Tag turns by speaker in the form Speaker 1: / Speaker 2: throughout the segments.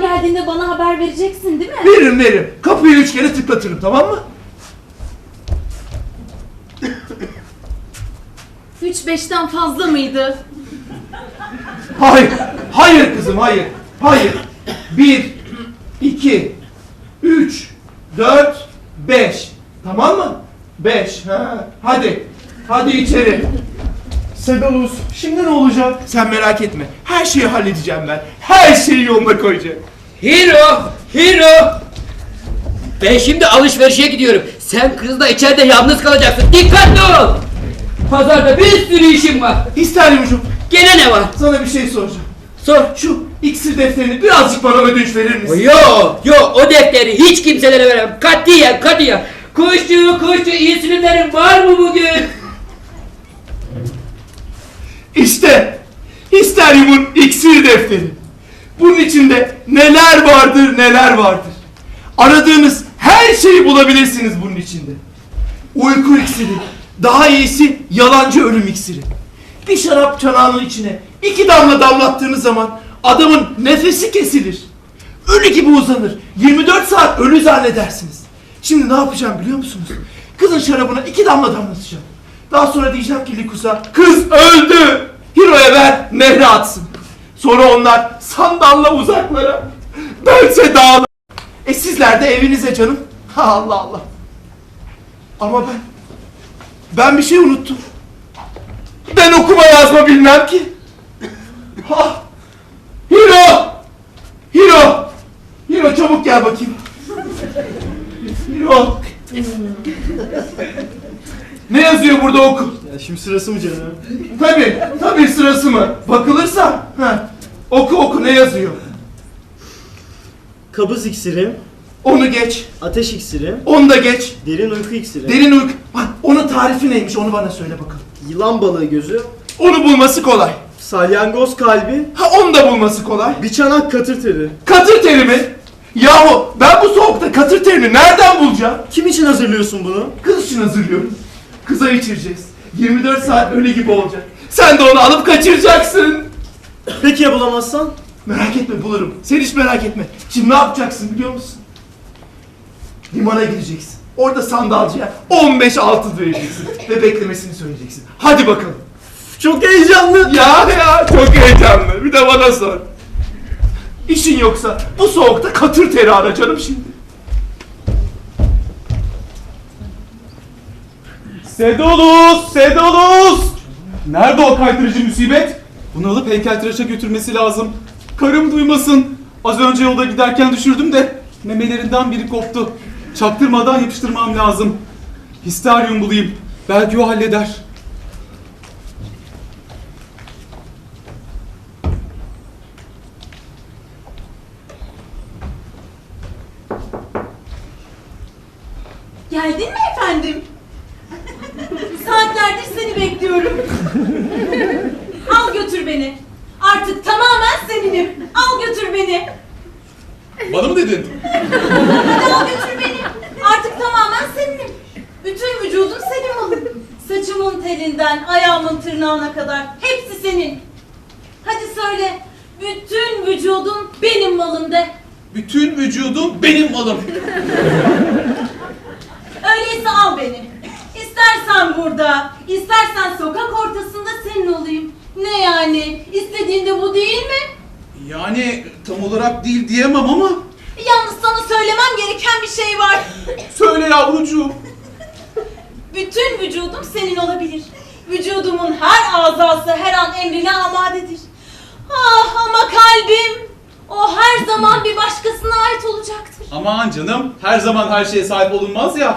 Speaker 1: geldiğinde bana haber vereceksin değil mi?
Speaker 2: Veririm. Kapıyı 3 kere tıklatırım, tamam mı?
Speaker 1: 3-5'ten fazla mıydı?
Speaker 2: Hayır kızım, hayır. 1, 2, 3, 4, 5. Tamam mı? 5. Hadi içeri.
Speaker 3: Sedalus, şimdi ne olacak?
Speaker 2: Sen merak etme. Her şeyi halledeceğim ben. Her şeyi yoluna koyacağım.
Speaker 4: Hiro! Ben şimdi alışverişe gidiyorum. Sen kızla içeride yalnız kalacaksın. Dikkatli ol! Pazarda bir sürü işim var.
Speaker 2: İsteryumcuğum,
Speaker 4: Gene ne var?
Speaker 2: sana bir şey soracağım.
Speaker 4: Sor.
Speaker 2: Şu iksir defterini birazcık bana ödünç verir misin?
Speaker 4: Yo, o defteri hiç kimselere veremem. Katiyen. Kuşçu, insülinlerin var mı bugün?
Speaker 2: İşte Histeryum'un iksir defteri. Bunun içinde neler vardır. Aradığınız her şeyi bulabilirsiniz bunun içinde. Uyku iksiri, daha iyisi yalancı ölüm iksiri. Bir şarap çanağının içine 2 damla damlattığınız zaman adamın nefesi kesilir. Ölü gibi uzanır. 24 saat ölü zannedersiniz. Şimdi ne yapacağım biliyor musunuz? Kızın şarabına 2 damla damlatacağım. Daha sonra diyeceğim ki Likus'a, kız öldü. Hiro'ya ver, nehre atsın. Sonra onlar sandalla uzaklara, bense dağlara. Sizler de evinize canım. Allah. Ama ben bir şey unuttum. Ben okuma yazma bilmem ki. Hiro çabuk gel bakayım. Hiro. Ne yazıyor burada, oku.
Speaker 3: Ya şimdi sırası mı canım?
Speaker 2: Tabii sırası mı? Bakılırsa. Oku ne yazıyor?
Speaker 3: Kabız iksiri,
Speaker 2: Onu geç.
Speaker 3: ateş iksiri,
Speaker 2: Onu da geç.
Speaker 3: derin uyku iksiri,
Speaker 2: Derin uyku. Onun tarifi neymiş, onu bana söyle bakalım.
Speaker 3: yılan balığı gözü,
Speaker 2: Onu bulması kolay.
Speaker 3: salyangoz kalbi,
Speaker 2: Onu da bulması kolay.
Speaker 3: bir çanak katır teri.
Speaker 2: Katır teri mi? Yahu ben bu soğukta katır terini nereden bulacağım?
Speaker 3: Kim için hazırlıyorsun bunu?
Speaker 2: Kız için hazırlıyorum. Kıza içireceğiz. 24 saat ölü gibi olacak. Sen de onu alıp kaçıracaksın.
Speaker 3: Peki ya bulamazsan?
Speaker 2: Merak etme, bulurum. Sen hiç merak etme. Şimdi ne yapacaksın biliyor musun? Limana gideceksin. Orada sandalcıya 15 altın vereceksin. Ve beklemesini söyleyeceksin. Hadi bakalım.
Speaker 3: Çok heyecanlı.
Speaker 2: Ya çok heyecanlı. Bir de bana sor. İşin yoksa bu soğukta katır teri ara canım şimdi.
Speaker 5: Sedalus! Nerede o kaydırıcı musibet? Bunu alıp heykeltıraşa götürmesi lazım. Karım duymasın. Az önce yolda giderken düşürdüm de memelerinden biri koptu. Çaktırmadan yapıştırmam lazım. Histeryum bulayım. Belki o halleder.
Speaker 1: Geldin mi efendim? Saatlerdir seni bekliyorum. Al götür beni. Artık tamamen seninim. Al götür beni.
Speaker 5: Bana mı dedin?
Speaker 1: Hadi al götür beni. Artık tamamen seninim. Bütün vücudum senin malın. Saçımın telinden ayağımın tırnağına kadar hepsi senin. Hadi söyle. Bütün vücudum benim malım de.
Speaker 5: Bütün vücudum benim malım.
Speaker 1: Öyleyse al beni. İstersen burada, istersen sokak ortasında senin olayım. Ne yani? İstediğin de bu değil mi?
Speaker 5: Yani tam olarak değil diyemem ama.
Speaker 1: Yalnız sana söylemem gereken bir şey var.
Speaker 5: Söyle yavrucuğum.
Speaker 1: Bütün vücudum senin olabilir. Vücudumun her azası her an emrine amadedir. Ah ama kalbim, o her zaman bir başkasına ait olacaktır.
Speaker 5: Aman canım, her zaman her şeye sahip olunmaz ya.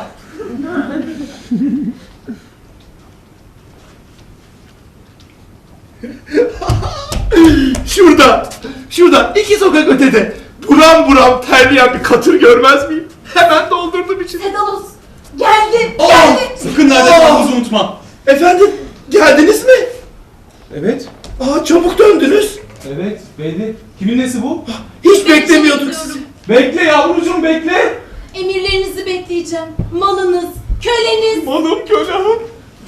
Speaker 2: Şurada 2 sokak ötede buram buram terleyen bir katır görmez miyim? Hemen doldurdum içine.
Speaker 1: Sedalus, geldin.
Speaker 5: Sakın nerede kaldığınızı unutma.
Speaker 2: Efendim, geldiniz mi?
Speaker 5: Evet.
Speaker 2: Çabuk döndünüz.
Speaker 5: Evet, belli. Kimin nesi bu?
Speaker 2: Hiç beklemiyorduk sizi.
Speaker 5: Bekle yavrucuğum, bekle.
Speaker 1: Emirlerinizi bekleyeceğim. Malınız, köleniz.
Speaker 5: Malım kölem.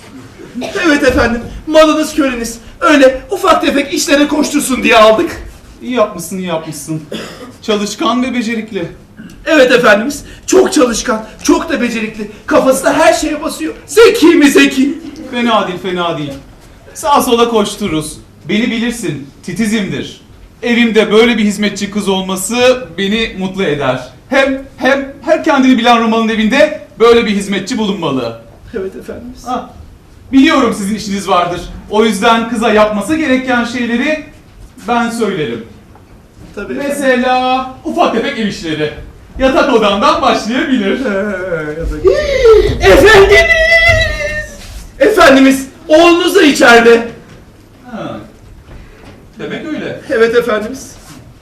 Speaker 2: Evet efendim, malınız köleniz. Öyle ufak tefek işlere koştursun diye aldık.
Speaker 5: İyi yapmışsın, iyi yapmışsın. Çalışkan ve becerikli.
Speaker 2: Evet efendimiz. Çok çalışkan, çok da becerikli. Kafası da her şeye basıyor. Zeki mi zeki?
Speaker 5: Fena değil, fena değil. Sağa sola koştururuz. Beni bilirsin, titizimdir. Evimde böyle bir hizmetçi kız olması beni mutlu eder. Hem her kendini bilen Romalı'nın evinde böyle bir hizmetçi bulunmalı.
Speaker 2: Evet efendimiz.
Speaker 5: Ah, biliyorum sizin işiniz vardır. O yüzden kıza yapması gereken şeyleri ben söylerim.
Speaker 2: Tabii efendim.
Speaker 5: Mesela ufak tefek ev işleri. Yatak odandan başlayabilir.
Speaker 2: Efendimiz! Efendimiz, oğlunuz da içeride.
Speaker 5: Ha. Demek öyle.
Speaker 2: Evet efendimiz.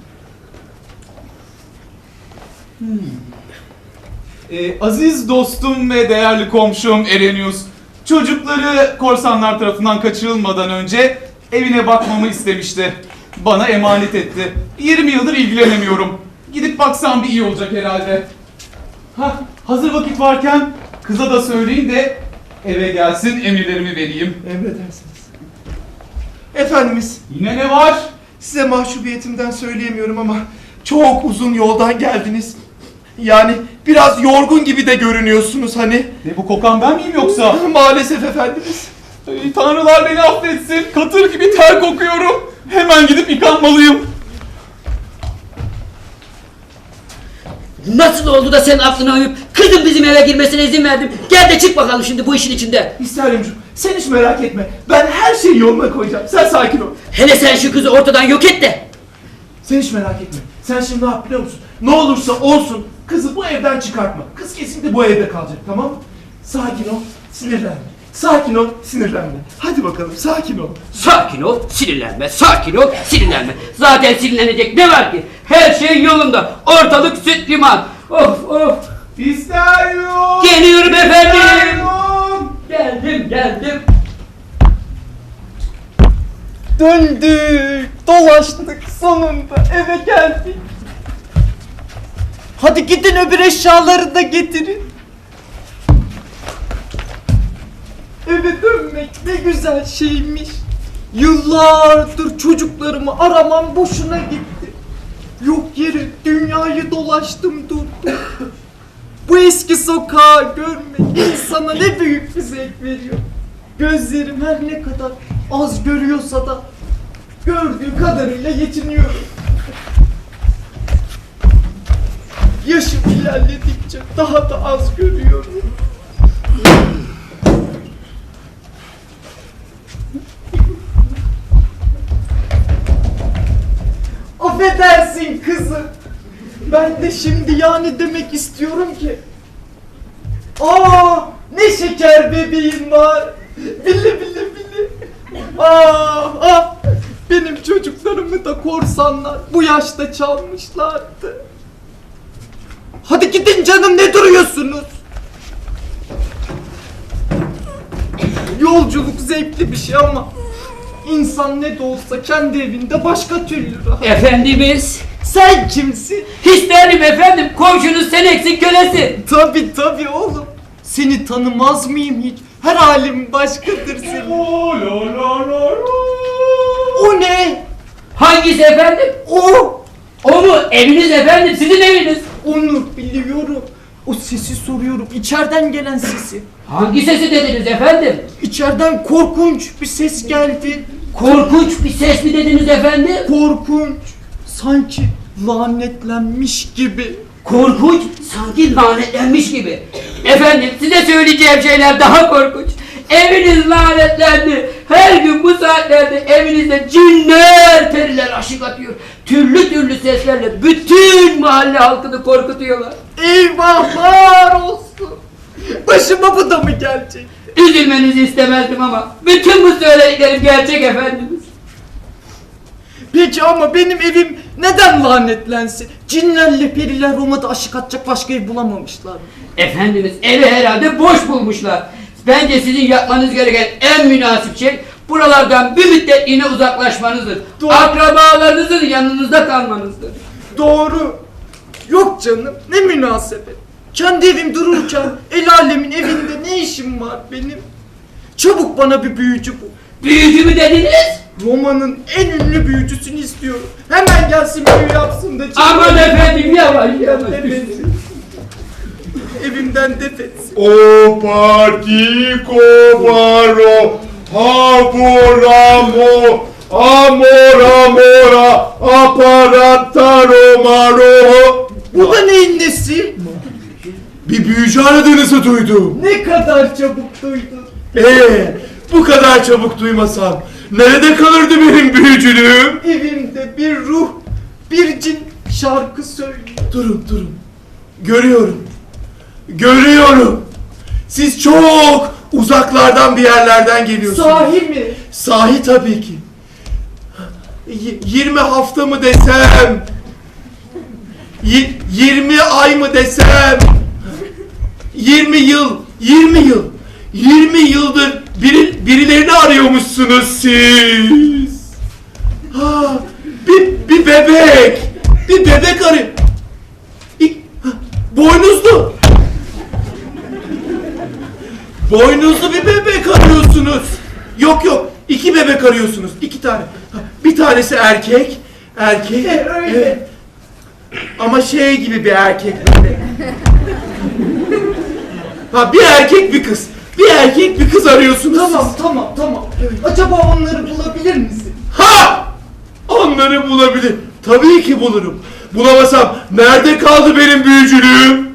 Speaker 5: Aziz dostum ve değerli komşum Erenius, çocukları korsanlar tarafından kaçırılmadan önce evine bakmamı istemişti. Bana emanet etti. 20 yıldır ilgilenemiyorum. Gidip baksam bir iyi olacak herhalde. Hazır vakit varken kıza da söyleyin de eve gelsin, emirlerimi vereyim.
Speaker 2: Emredersiniz. Efendimiz,
Speaker 5: Yine ne var?
Speaker 2: size mahcubiyetimden söyleyemiyorum ama çok uzun yoldan geldiniz. Yani biraz yorgun gibi de görünüyorsunuz hani.
Speaker 5: Ne, bu kokan ben miyim yoksa?
Speaker 2: Maalesef efendimiz.
Speaker 5: Tanrılar beni affetsin. Katır gibi ter kokuyorum. Hemen gidip yıkanmalıyım.
Speaker 4: Nasıl oldu da senin aklına uyup kızın bizim eve girmesine izin verdim. Gel de çık bakalım şimdi bu işin içinde.
Speaker 2: İsterimcim, sen hiç merak etme. Ben her şeyi yoluna koyacağım. Sen sakin ol.
Speaker 4: Hele sen şu kızı ortadan yok et de.
Speaker 2: Sen hiç merak etme. Sen şimdi ne yap biliyor musun? Ne olursa olsun kızı bu evden çıkartma. Kız kesinlikle bu evde kalacak, tamam mı? Sakin ol, sinirlenme. Sakin ol, sinirlenme. Hadi bakalım, sakin ol.
Speaker 4: Sakin ol, sinirlenme. Sakin ol, sinirlenme. Zaten sinirlenecek ne var ki? Her şey yolunda. Ortalık süt liman. Of of.
Speaker 5: İsterium.
Speaker 4: Geliyorum efendim.
Speaker 5: İsterium.
Speaker 4: Geldim.
Speaker 3: Döndük, dolaştık, sonunda eve geldik. Hadi gidin öbür eşyaları da getirin. Eve dönmek ne güzel şeymiş. Yıllardır çocuklarımı aramam boşuna gitti. Yok yere dünyayı dolaştım durdum. Bu eski sokağı görmek insana ne büyük bir zevk veriyor. Gözlerim her ne kadar az görüyorsa da gördüğü kadarıyla yetiniyorum. Yaşım ilerledikçe daha da az görüyorum. Affedersin kızım. Ben de şimdi yani demek istiyorum ki. Aa, ne şeker bebeğim var. Bili. Benim çocuklarımı da korsanlar bu yaşta çalmışlardı. Hadi gidin canım, ne duruyorsunuz? Yolculuk zevkli bir şey ama insan ne de olsa kendi evinde başka türlü rahat.
Speaker 4: Efendimiz.
Speaker 3: Sen kimsin?
Speaker 4: İsterim efendim. Komşunuz sen eksik kölesi.
Speaker 3: Tabii oğlum. Seni tanımaz mıyım hiç? Her halim başkadır senin. O ne?
Speaker 4: Hangisi efendim?
Speaker 3: O!
Speaker 4: O mu? Eviniz efendim. Sizin eviniz.
Speaker 3: Onu biliyorum. O sesi soruyorum. İçeriden gelen sesi.
Speaker 4: Hangi sesi dediniz efendim?
Speaker 3: İçeriden korkunç bir ses geldi.
Speaker 4: Korkunç bir ses mi dediniz efendim?
Speaker 3: Korkunç. Sanki lanetlenmiş gibi.
Speaker 4: Korkunç, sanki lanetlenmiş gibi. Efendim size söyleyeceğim şeyler daha korkunç. Eviniz lanetlendi. Her gün bu saatlerde evinizde cinler, periler aşık atıyor. Türlü seslerle bütün mahalle halkını korkutuyorlar.
Speaker 3: Eyvahlar olsun. Başıma bu da mı gelecek?
Speaker 4: Üzülmenizi istemezdim ama bütün bu söylediklerim gerçek efendimiz.
Speaker 3: Peki ama benim evim neden lanetlensin? Cinlerle periler Roma'da aşık atacak başka ev bulamamışlar mı?
Speaker 4: Efendimiz evi herhalde boş bulmuşlar. Bence sizin yapmanız gereken en münasip şey buralardan bir müddetliğine uzaklaşmanızdır.
Speaker 3: Doğru.
Speaker 4: Akrabalarınızın yanınızda kalmanızdır.
Speaker 3: Doğru. Yok canım, ne münasebet. Kendi evim dururken el alemin evinde ne işim var benim? Çabuk bana bir büyücü bul.
Speaker 4: Büyücü mü dediniz?
Speaker 3: Roma'nın en ünlü büyücüsünü istiyorum. Hemen gelsin büyü yapsın da
Speaker 4: Aman efendim yavaş yavaş.
Speaker 3: defetsin. Evimden defetsin.
Speaker 2: O partiko baro haboramo amora aparataro maro.
Speaker 3: Bu da neyin nesi?
Speaker 2: Bir büyücü aradığınızı duydum.
Speaker 3: Ne kadar çabuk duydun.
Speaker 2: Bu kadar çabuk duymasam nerede kalırdı benim büyücülüğüm?
Speaker 3: Evimde bir ruh, bir cin şarkı söylüyor.
Speaker 2: Durun. Görüyorum. Siz çok uzaklardan bir yerlerden geliyorsunuz.
Speaker 3: Sahi mi?
Speaker 2: Sahi tabii ki. 20 hafta mı desem? 20 ay mı desem? 20 yıl. 20 yıldır birilerini arıyormuşsunuz siz. Ha, bir bebek. Bir bebek arıyor. Boynuzlu. Boynuzlu bir bebek arıyorsunuz. Yok. 2 bebek arıyorsunuz. 2 tane. Bir tanesi erkek.
Speaker 3: Öyle.
Speaker 2: Evet. Ama şey gibi bir erkek böyle. Bir erkek bir kız. Bir erkek bir kız arıyorsunuz.
Speaker 3: Tamam. Acaba onları bulabilir misin?
Speaker 2: Onları bulabilir. Tabii ki bulurum. Bulamasam nerede kaldı benim büyücülüğüm?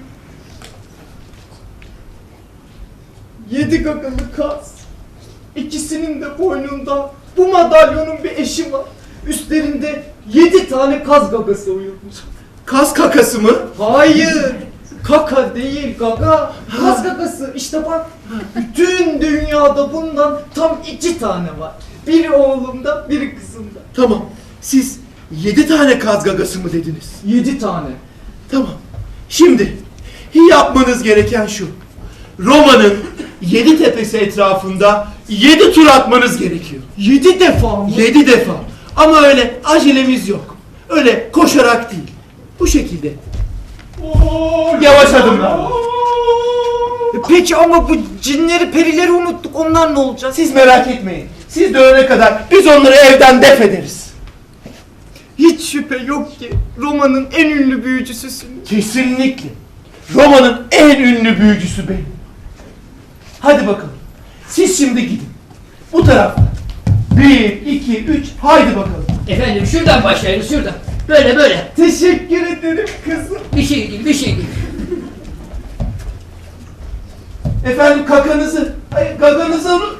Speaker 3: 7 gagalı kaz. İkisinin de boynunda bu madalyonun bir eşi var. Üstlerinde 7 tane kaz gagası uyurmuş.
Speaker 2: Kaz kakası mı?
Speaker 3: Hayır. Kaka değil gaga. Kaz gagası. İşte bak. Bütün dünyada bundan tam 2 tane var. Biri oğlumda, biri kızımda.
Speaker 2: Tamam. Siz 7 tane kaz gagası mı dediniz?
Speaker 3: 7 tane.
Speaker 2: Tamam. Şimdi yapmanız gereken şu. Roma'nın 7 tepesi etrafında 7 tur atmanız gerekiyor.
Speaker 3: 7 defa mı?
Speaker 2: 7 defa. Ama öyle acelemiz yok. Öyle koşarak değil. Bu şekilde. Yavaş adımlar.
Speaker 3: Peki ama bu cinleri, perileri unuttuk. Onlar ne olacak?
Speaker 2: Siz merak etmeyin. Siz dönene kadar biz onları evden def ederiz.
Speaker 3: Hiç şüphe yok ki Roma'nın en ünlü büyücüsüsün.
Speaker 2: Kesinlikle. Roma'nın en ünlü büyücüsü benim. Hadi bakalım. Siz şimdi gidin. Bu taraftan. 1, 2, 3. Haydi bakalım.
Speaker 4: Efendim şuradan başlayalım şuradan. Böyle.
Speaker 3: Teşekkür ederim kızım.
Speaker 4: Bir şey değil.
Speaker 2: Efendim kakanızı. Hayır, gaganızı alın.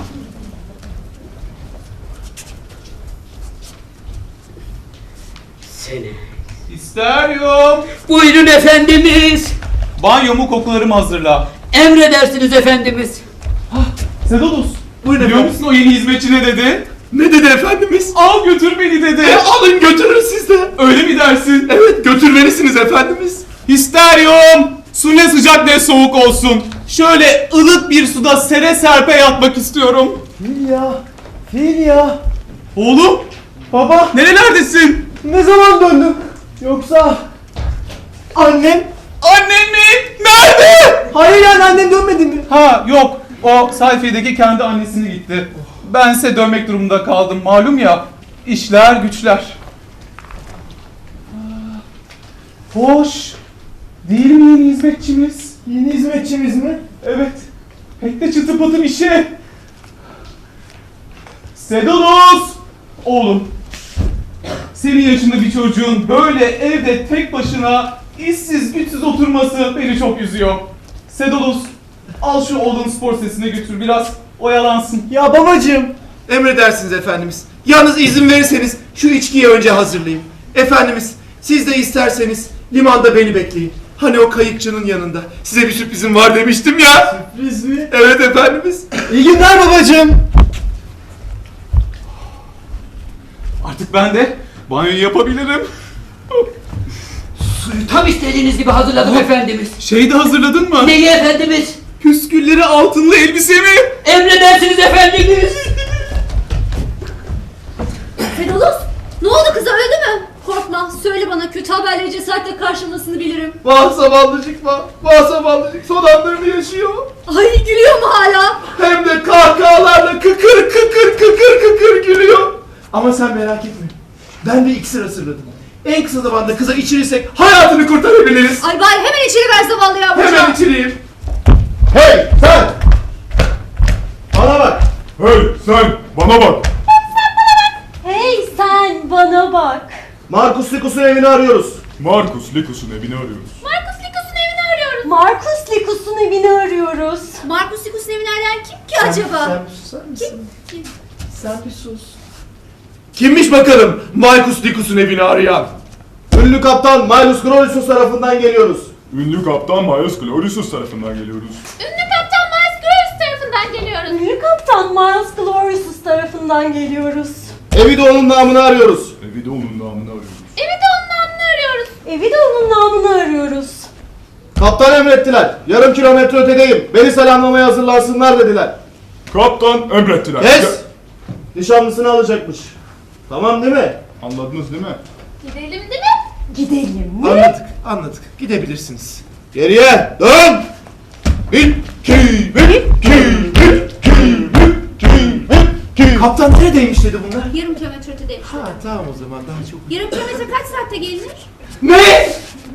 Speaker 4: Seni.
Speaker 5: İsteriyorum.
Speaker 4: Buyurun efendimiz.
Speaker 5: Banyomu kokularımı hazırla.
Speaker 4: Emredersiniz efendimiz.
Speaker 5: Sedolus.
Speaker 2: Buyurun
Speaker 5: Biliyor
Speaker 2: efendim.
Speaker 5: musun o yeni hizmetçi ne dedi?
Speaker 2: Ne dedi efendimiz?
Speaker 5: Al götür beni dedi.
Speaker 2: Alın götürün siz de.
Speaker 5: Öyle mi dersin?
Speaker 2: Evet götürmelisiniz efendimiz.
Speaker 5: İsteriyorum. Su ne sıcak ne soğuk olsun. Şöyle ılık bir suda sere serpe yatmak istiyorum.
Speaker 3: Fil ya.
Speaker 5: Oğlum.
Speaker 3: Baba,
Speaker 5: Nerelerdesin?
Speaker 3: ne zaman döndün? Yoksa annem?
Speaker 5: Annen mi? Nerede?
Speaker 3: Hayır yani annem dönmedi mi?
Speaker 5: Ha yok. O sayfedeki kendi annesine gitti. Bense dönmek durumunda kaldım. Malum ya. İşler güçler. Hoş. Değil mi yeni hizmetçimiz?
Speaker 3: Yeni hizmetçimiz mi?
Speaker 5: Evet. Pek de çıtı pıtı bir şey. Sedulus! Oğlum. Senin yaşında bir çocuğun böyle evde tek başına işsiz güçsüz oturması beni çok üzüyor. Sedulus, al şu oğlun spor sesine götür biraz oyalansın.
Speaker 3: Ya babacığım.
Speaker 2: Emredersiniz efendimiz. Yalnız izin verirseniz şu içkiyi önce hazırlayayım. Efendimiz siz de isterseniz limanda beni bekleyin. Hani o kayıkçının yanında. Size bir sürprizim var demiştim ya.
Speaker 3: Sürpriz mi?
Speaker 2: Evet efendimiz.
Speaker 3: İyi günler babacığım.
Speaker 5: Artık ben de banyoyu yapabilirim.
Speaker 4: Suyu tam istediğiniz gibi hazırladım efendimiz.
Speaker 5: Şeyi de hazırladın mı?
Speaker 4: Neyi efendimiz?
Speaker 5: Püskülleri altınlı elbisemi.
Speaker 4: Emredersiniz efendimiz.
Speaker 6: Sedulus, ne oldu kıza, öldü mü? Korkma, abla söyle bana, kötü haberleri cesaretle karşılamasını bilirim.
Speaker 2: Vah zavallıcık vah. Vah zavallıcık son anlarını yaşıyor.
Speaker 6: Ay gülüyor mu hala?
Speaker 2: Hem de kahkahalarla kıkır kıkır kıkır kıkır gülüyor. Ama sen merak etme. Ben bir iksir hazırladım. En kısa zamanda kıza içirirsek hayatını kurtarabiliriz.
Speaker 6: Ay bari hemen içeri ver zavallı yavrucağı.
Speaker 2: Hemen içireyim.
Speaker 7: Hey sen! Bana bak!
Speaker 8: Hey sen bana bak.
Speaker 1: Hey sen bana bak.
Speaker 7: Markus Likus'un evini arıyoruz.
Speaker 8: Markus Likus'un evini arıyoruz.
Speaker 6: Markus Likus'un evini arıyoruz.
Speaker 1: Markus Likus'un evini arıyoruz.
Speaker 6: Markus Likus'un evini arayan kim ki acaba?
Speaker 2: Sen bir susar mısın?
Speaker 6: Kim?
Speaker 2: Sen bir sus. Kimmiş bakalım Markus Likus'un evini arayan?
Speaker 7: Ünlü kaptan Maelus Gloriosus tarafından geliyoruz.
Speaker 8: Ünlü kaptan Miles Gloriosus tarafından geliyoruz.
Speaker 6: Ünlü kaptan Miles Graves tarafından geliyoruz.
Speaker 1: Ünlü kaptan Miles Gloriosus tarafından geliyoruz.
Speaker 7: Evi de onun namını arıyoruz.
Speaker 8: Evi de onun namını arıyoruz.
Speaker 6: Evi de onun namını arıyoruz.
Speaker 1: Evi de onun namını arıyoruz.
Speaker 7: Kaptan emrettiler. Yarım kilometre ötedeyim. Beni selamlamaya hazırlansınlar dediler.
Speaker 8: Kaptan emrettiler.
Speaker 7: Kes! Nişanlısını alacakmış. Tamam değil mi?
Speaker 8: Anladınız değil mi?
Speaker 6: Gidelim değil mi?
Speaker 1: Gidelim mi?
Speaker 2: Anladık. Gidebilirsiniz.
Speaker 7: Geriye dön! Bir, iki, bir, iki, bir, iki, bir, iki, bir, iki.
Speaker 2: Kaptan neredeymiş dedi bunlar?
Speaker 6: Yarım kilometre ötedeymiş.
Speaker 2: Ha tamam o zaman daha çok.
Speaker 6: Yarım kilometre kaç saatte gelinir?
Speaker 2: Ne?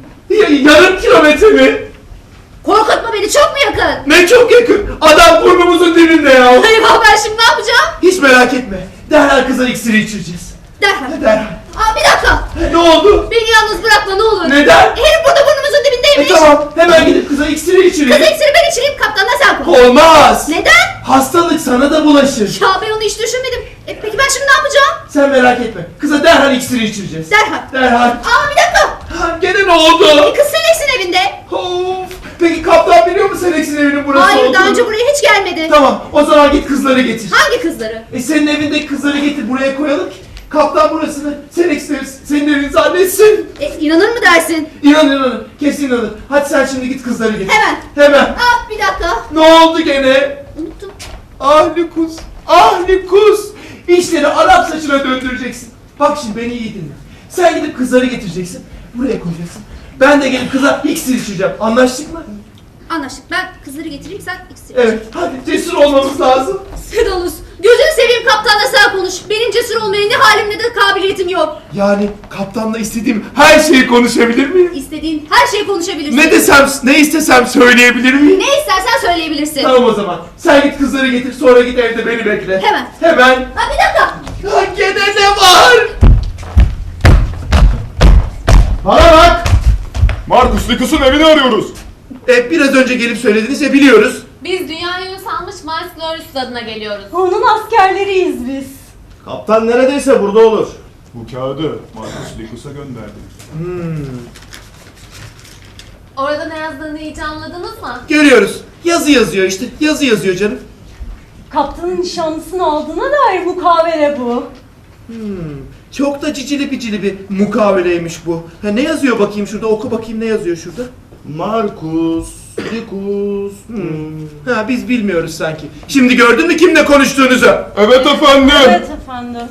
Speaker 2: Yarım kilometre mi?
Speaker 6: Korkutma beni, çok mu yakın?
Speaker 2: Ne çok yakın. Adam burnumuzun dibinde ya.
Speaker 6: Eyvah, ben şimdi ne yapacağım?
Speaker 2: Hiç merak etme. Derhal kıza iksiri içireceğiz.
Speaker 6: Derhal.
Speaker 2: Derhal.
Speaker 6: Aa, bir dakika.
Speaker 2: Ne oldu?
Speaker 6: Beni yalnız bırakma ne olur.
Speaker 2: Neden?
Speaker 6: Herif burada burnumuzun dibindeymiş.
Speaker 2: Tamam. Hemen gidip kıza iksiri içireyim.
Speaker 6: Kız iksiri ben içireyim, kaptanla sen konuş.
Speaker 2: Olmaz.
Speaker 6: Neden?
Speaker 2: Hastalık sana da bulaşır.
Speaker 6: Ya ben onu hiç düşünmedim. Peki ben şimdi ne yapacağım?
Speaker 2: Sen merak etme. Kıza derhal iksiri içireceğiz.
Speaker 6: Derhal.
Speaker 2: Derhal.
Speaker 6: Aa, bir dakika.
Speaker 2: Ha, gene ne oldu?
Speaker 6: Kız Selex'in evinde.
Speaker 2: Of. Peki kaptan biliyor mu Selex'in evinin burası
Speaker 6: Hayır,
Speaker 2: olduğunu?
Speaker 6: daha önce buraya hiç gelmedi.
Speaker 2: Tamam. O zaman git kızları getir.
Speaker 6: Hangi kızları?
Speaker 2: Senin evindeki kızları getir buraya koyalım ki kaptan burasını senin evin zannetsin.
Speaker 6: İnanır mı dersin?
Speaker 2: İnanır. Kesin inanır. Hadi sen şimdi git kızları getir.
Speaker 6: Hemen.
Speaker 2: Hemen.
Speaker 6: Aa, bir dakika.
Speaker 2: Ne oldu gene?
Speaker 6: Unuttum.
Speaker 2: Ahlikus. Ahlikus. İşleri Arap saçına döndüreceksin. Bak şimdi beni iyi dinle. Sen gidip kızları getireceksin. Buraya koyacaksın. Ben de gelip kıza iksir içeceğim. Anlaştık mı?
Speaker 6: Anlaştık. Ben kızları getireyim, sen iksir.
Speaker 2: Evet. Hadi cesur olmamız lazım.
Speaker 6: Sedalus, gözünü seveyim, kaptanla sen konuş. Benim cesur olmaya ne halim ne de kabiliyetim yok.
Speaker 2: Yani kaptanla istediğim her şeyi konuşabilir miyim?
Speaker 6: İstediğin her şeyi konuşabilirsin.
Speaker 2: Ne istesem söyleyebilir miyim?
Speaker 6: Ne istersen söyleyebilirsin.
Speaker 2: Tamam o zaman. Sen git kızları getir sonra git evde beni bekle.
Speaker 6: Hemen.
Speaker 2: Hemen.
Speaker 6: Ha, bir dakika.
Speaker 2: Ha, gene ne var?
Speaker 7: Bana bak!
Speaker 8: Markus Likus'un evini arıyoruz.
Speaker 2: Biraz önce gelip söylediniz ya biliyoruz.
Speaker 9: Biz dünyayı salmış Mars Glorious adına geliyoruz.
Speaker 1: Onun askerleriyiz biz.
Speaker 7: Kaptan neredeyse burada olur.
Speaker 8: Bu kağıdı Markus Likus'a gönderdik.
Speaker 9: Orada ne yazdığını hiç anladınız mı?
Speaker 2: Görüyoruz. Yazı yazıyor işte. Yazı yazıyor canım.
Speaker 1: Kaptanın nişanlısını aldığına dair mukavele bu.
Speaker 2: Çok da cicili bicili bir mukaveleymiş bu. Ha, ne yazıyor bakayım şurada? Oku bakayım ne yazıyor şurada?
Speaker 7: Markus Likus.
Speaker 2: Ha biz bilmiyoruz sanki. Şimdi gördün mü kimle konuştuğunuzu?
Speaker 8: Evet efendim.
Speaker 1: Evet efendim.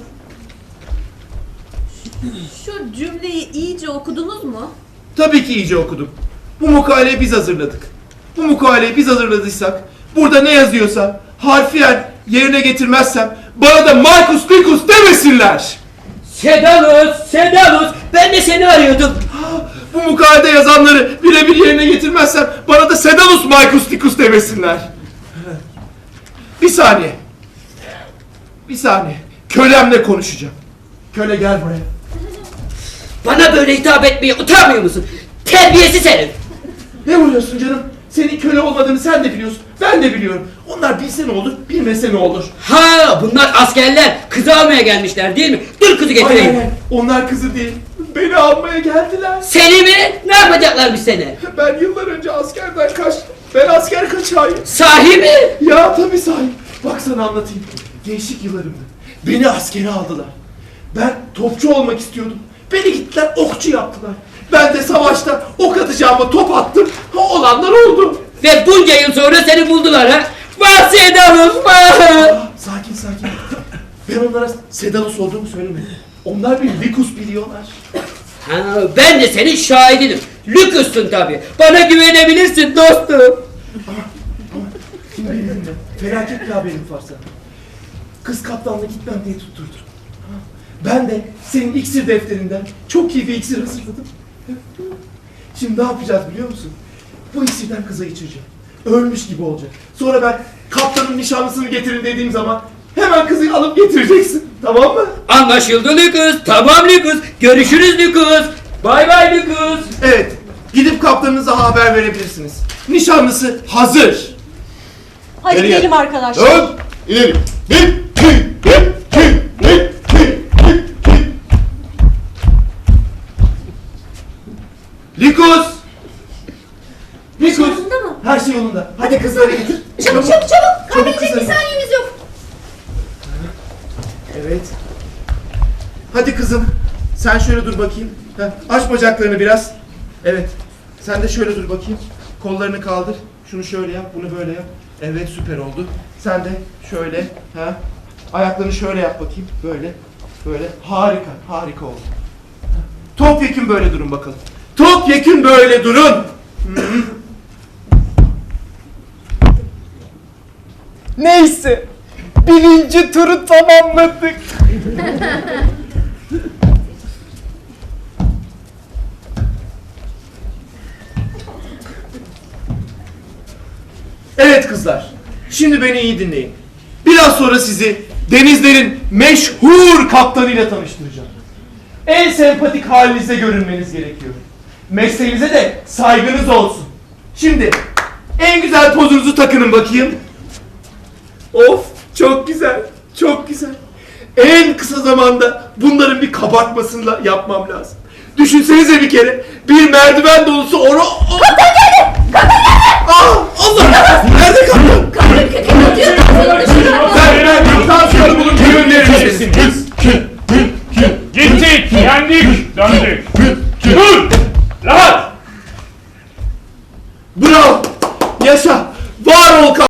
Speaker 9: Şu cümleyi iyice okudunuz mu?
Speaker 2: Tabii ki iyice okudum. Bu mukaleyi biz hazırladık. Bu mukaleyi biz hazırladıysak, burada ne yazıyorsa harfiyen yerine getirmezsem bana da Markus Likus demesinler.
Speaker 4: Sedalus, ben de seni arıyordum.
Speaker 2: Bu mukalede yazanları birebir yerine getirmezsem bana da Sedalus Markus Likus demesinler. Bir saniye. Kölemle konuşacağım. Köle gel buraya.
Speaker 4: Bana böyle hitap etmeye utanmıyor musun? Terbiyesiz herif.
Speaker 2: Ne vuruyorsun canım? Senin köle olmadığını sen de biliyorsun. Ben de biliyorum. Onlar bilse ne olur, bilmese ne olur.
Speaker 4: Ha, bunlar askerler. Kızı almaya gelmişler değil mi? Dur kızı getireyim.
Speaker 2: Hayır, onlar kızı değil. Beni almaya geldiler.
Speaker 4: Seni mi? Ne yapacaklarmış seni?
Speaker 2: Ben yıllar önce askerden kaçtım. Ben asker kaçağıyım.
Speaker 4: Sahi mi?
Speaker 2: Ya tabii sahip. Bak sana anlatayım. Gençlik yıllarımda beni askere aldılar. Ben topçu olmak istiyordum. Beni gittiler okçu yaptılar. Ben de savaşta ok atacağıma top attım. Olanlar oldu.
Speaker 4: Ve bunca yıl sonra seni buldular ha? Vah Sedalus, vah!
Speaker 2: Sakin. Ben onlara Sedalus olduğumu söylemedim. Onlar bir Likus biliyorlar.
Speaker 4: Ha, ben de senin şahidinim. Lucas'sın tabi. Bana güvenebilirsin dostum.
Speaker 2: Şimdi beni dinle. Felaket bir haberim var sana. Kız kaptanla gitmem diye tutturdu. Ben de senin iksir defterinden çok iyi bir iksir hazırladım. Şimdi ne yapacağız biliyor musun? Bu iksirden kıza içireceğim. Ölmüş gibi olacak. Sonra ben kaptanın nişanlısını getirin dediğim zaman hemen kızı alıp getireceksin. Tamam mı?
Speaker 4: Anlaşıldı Lucas. Tamam Lucas. Görüşürüz Lucas. Bay bay Lucas.
Speaker 2: Evet. Gidip kaptanınıza haber verebilirsiniz. Nişanlısı hazır.
Speaker 1: Hadi
Speaker 2: Geriye.
Speaker 1: gidelim arkadaşlar.
Speaker 8: Dön. İleri. Bir, iki, bir, iki, bir, iki, bir, iki.
Speaker 2: Likus! Likus!
Speaker 1: Yolunda mı?
Speaker 2: Her şey yolunda. Hadi kızları getir.
Speaker 6: Çabuk. Kaybedecek bir
Speaker 2: kızım.
Speaker 6: saniyemiz yok.
Speaker 2: Evet. Hadi kızım. Sen şöyle dur bakayım. Heh, aç bacaklarını biraz. Evet. Sen de şöyle dur bakayım. Kollarını kaldır. Şunu şöyle yap, bunu böyle yap. Evet, süper oldu. Sen de şöyle. Ha. Ayaklarını şöyle yap bakayım. Böyle. Böyle. Harika. Harika oldu. Topyekün böyle durun bakalım. Topyekün böyle durun. Hı.
Speaker 3: Neyse. Birinci turu tamamladık.
Speaker 2: Evet kızlar, şimdi beni iyi dinleyin. Biraz sonra sizi denizlerin meşhur kaptanıyla tanıştıracağım. En sempatik halinizde görünmeniz gerekiyor. Mesleğinize de saygınız olsun. Şimdi en güzel pozunuzu takının bakayım. Of, çok güzel, çok güzel. En kısa zamanda bunların bir kabartmasını yapmam lazım. Düşünsenize bir kere, bir merdiven dolusu onu... Kaptan geldi! Kaptan geldi! Aa, Allah! Nerede kaptan? Ben kaptan bulun gönderiniz.
Speaker 8: Gittik, yendik, döndük. Dur! Rahat!
Speaker 2: Bravo! Yaşa! Var ol kaptan!